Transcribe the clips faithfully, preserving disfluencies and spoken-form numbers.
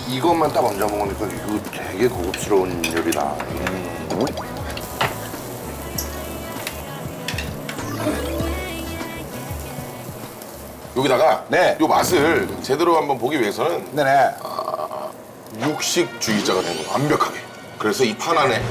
이것만 딱 얹어 먹으니까 이거 되게 고급스러운 요리다. 음. 여기다가 네. 요 맛을 제대로 한번 보기 위해서는 네네. 육식주의자가 된 거야, 완벽하게. 그래서 이 판 안에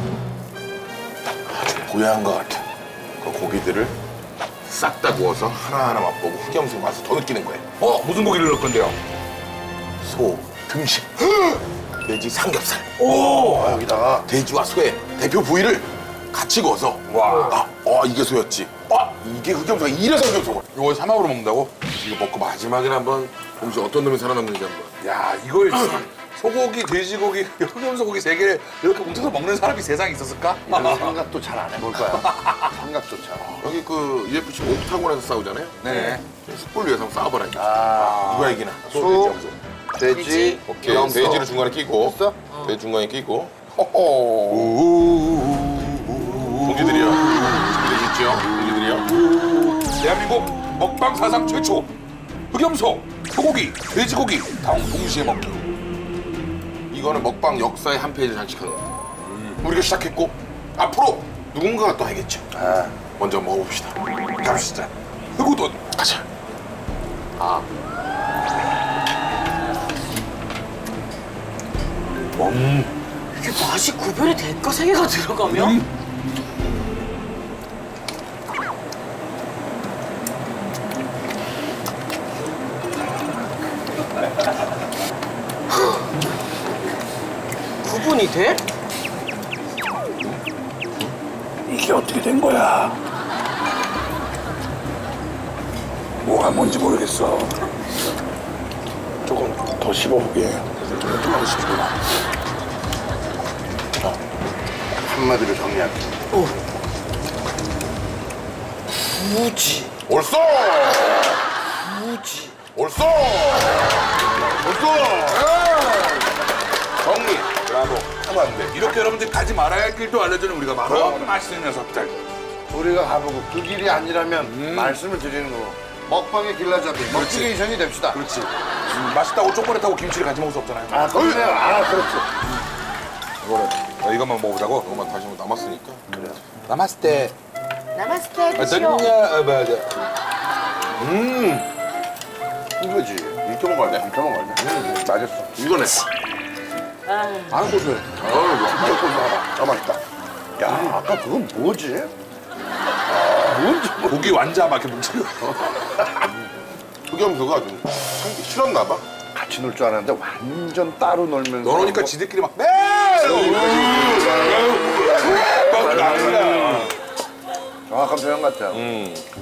아주 고야한 것 같아. 그 고기들을 싹 다 구워서 하나하나 맛보고 흑염소 맛을 더 느끼는 거예요. 어, 무슨 고기를 넣을 건데요? 소, 등심, 돼지 삼겹살, 어, 여기다가 돼지와 소의 대표 부위를 같이 구워서 와. 아, 어, 이게 소였지. 아, 이게 흑염소가 이래서 흑염소가. 이거 사막으로 먹는다고? 이거 먹고 마지막에 한번 혹시 어떤 놈이 살아남는지 한번. 야, 이걸 소고기, 돼지고기, 흑염소고기 세 개를 이렇게 뭉쳐서 먹는 사람이 세상에 있었을까? 이런 생각도 잘 안 해볼 거야. 생각조차. 여기 그 유에프씨 옥타곤에서 싸우잖아요. 네. 숯불 위에서 한번 싸워봐라. 아, 누가 이기나? 소, 돼지, 돼지, 돼지. 오케이. 염소. 돼지를 중간에 끼고. 됐어? 돼지 중간에 끼고. 오. 동지들이요. 돼지죠. 돼지들이요. 대한민국 먹방 사상 최초 흑염소, 소고기, 돼지고기 다 동시에 먹기. 이거는 먹방 역사의 한 페이지를 장식하는 거야. 우리가 시작했고 앞으로 누군가가 또 하겠죠. 아, 먼저 먹어봅시다. 갑시다. 흑우돈. 가자. 이게 맛이 구별이 될까? 세 개가 들어가면? 구분이 돼? 이게 어떻게 된 거야? 뭐가 뭔지 모르겠어. 조금 더 씹어보게. 좀 더 씹어봐. 한마디로 정리할게. 무지. 옳소. 무지. 옳소. 옳소. 정리. 브라보. 하면 안 돼. 이렇게 여러분들 가지 말아야 할 길도 알려주는 우리가 바로 맛있는 녀석들. 우리가 가보고 그 길이 아니라면 말씀을 드리는 거고. 먹방의 길라잡이, 먹지게이션이 됩시다. 그렇지. 음, 맛있다고 초콜릿하고 김치를 같이 먹을 수 없잖아요. 아, 그러네요. 아, 그렇지. 이거를 어, 이것만 먹어보자고. 이거만 다시 한번 남았으니까. 그래. 남았을 때 나마스테 어떠냐? 어, 맞아. 이거지. 이렇게 먹어야 돼. 이렇게 먹어야 돼. 음, 맛있어. 이거네. 아, 고소해. 어우, 좋아. 진짜 고소하다. 아, 맛있다. 야, 아까 그건 뭐지? 아, 뭔지 뭐. 고기 완자 막 이렇게 뭉치고. 흑염소가 좀 참기 싫었나 봐. 같이 놀 줄 알았는데 완전 따로 놀면서. 너러니까 뭐- 지들끼리 막 네! 막 난리야. 정확한 표현 같아요. 음.